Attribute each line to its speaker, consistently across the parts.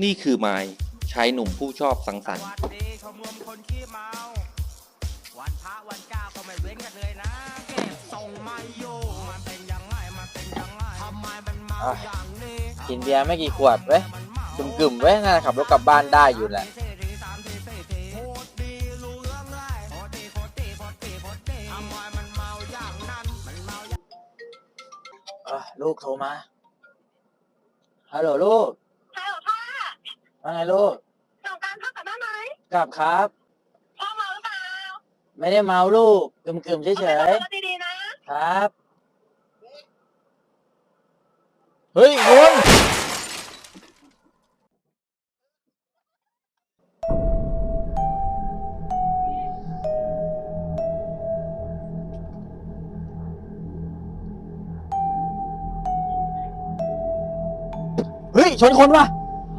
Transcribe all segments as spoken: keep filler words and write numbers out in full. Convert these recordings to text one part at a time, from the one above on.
Speaker 1: นี่คือไม้ชายหนุ่มผู้ชอบสังสรรค์
Speaker 2: วันพระวันเจ้าก็ไม่เว้นกันเลยนะเก็บส่งมาอยู่มันเป็นยังไงมันเป็นยังไงทำไมมันเมาอย่างนี้
Speaker 3: กินเบียร์ไม่กี่ขวดเว้ยกึ่มๆเว้ยน่าจะขับรถกลับบ้านได้อยู่แหละลูกโทรมาฮัลโหลลูก
Speaker 4: ฮัลโหลพ่อ
Speaker 3: ว่าไงลูก
Speaker 4: สงกรานต์พ่อกลับบ้านไหม
Speaker 3: กลับครับ
Speaker 4: พ่อเมาหรือเปล่า
Speaker 3: ไม่ได้เมาลูกกึ่มๆเฉย
Speaker 4: ๆดีๆ
Speaker 3: นะครับเฮ้ยคุณเฮ้ยชนคนว่ะ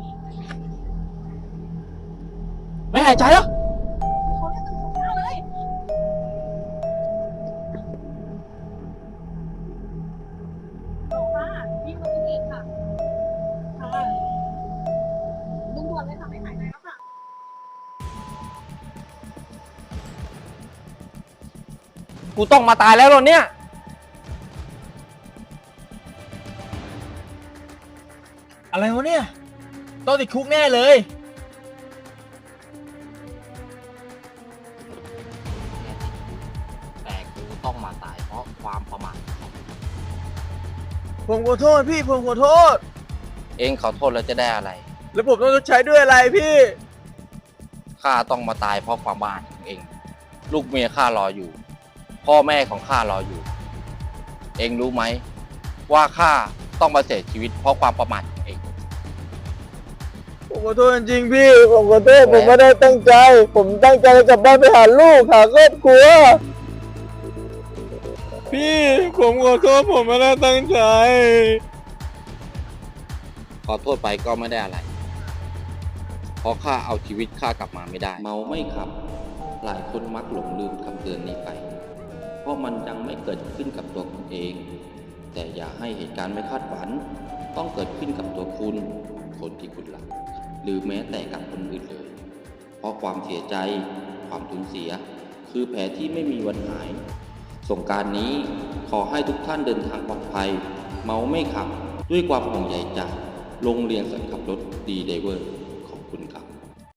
Speaker 3: ไม่หายใจแล้ว
Speaker 1: กูต้องมาตายแล้วเหรอเนี่ย
Speaker 3: อะไรวะเนี่ยต้องติดคุกแน่เลย
Speaker 2: แต่กูต้องมาตายเพราะความประมาท
Speaker 3: ผมขอโทษพี่ผมขอโทษ
Speaker 1: เองขอโทษแล้วจะได้อะไร
Speaker 3: แล้วผมต้องชดใช้ด้วยอะไรพี่
Speaker 1: ข้าต้องมาตายเพราะความบ้าของเองลูกเมียข้ารออยู่พ่อแม่ของข้ารออยู่เองรู้ไหมว่าข้าต้องมาเสียชีวิตเพราะความประมาทของเอง
Speaker 3: ผมขอโทษจริงพี่ผมขอโทษผมไม่ได้ตั้งใจผมตั้งใจจะกลับบ้านไปหาลูกหาครอบครัวพี่ผมขอโทษผมไม่ได้ตั้งใจ
Speaker 1: ขอโทษไปก็ไม่ได้อะไรเพราะข้าเอาชีวิตข้ากลับมาไม่ได้เมาไม่ขับหลายคนมักหลงลืมคำเตือนนี้ไปเพราะมันยังไม่เกิดขึ้นกับตัวคุณเองแต่อย่าให้เหตุการณ์ไม่คาดฝันต้องเกิดขึ้นกับตัวคุณคนที่คุณรักหรือแม้แต่กับคนอื่นเลยเพราะความเสียใจความสูญเสียคือแผลที่ไม่มีวันหายสงกรานต์นี้ขอให้ทุกท่านเดินทางปลอดภัยเมาไม่ขับด้วยความห่วงใยจากโรงเรียนสอนขับรถดีไดเวอร์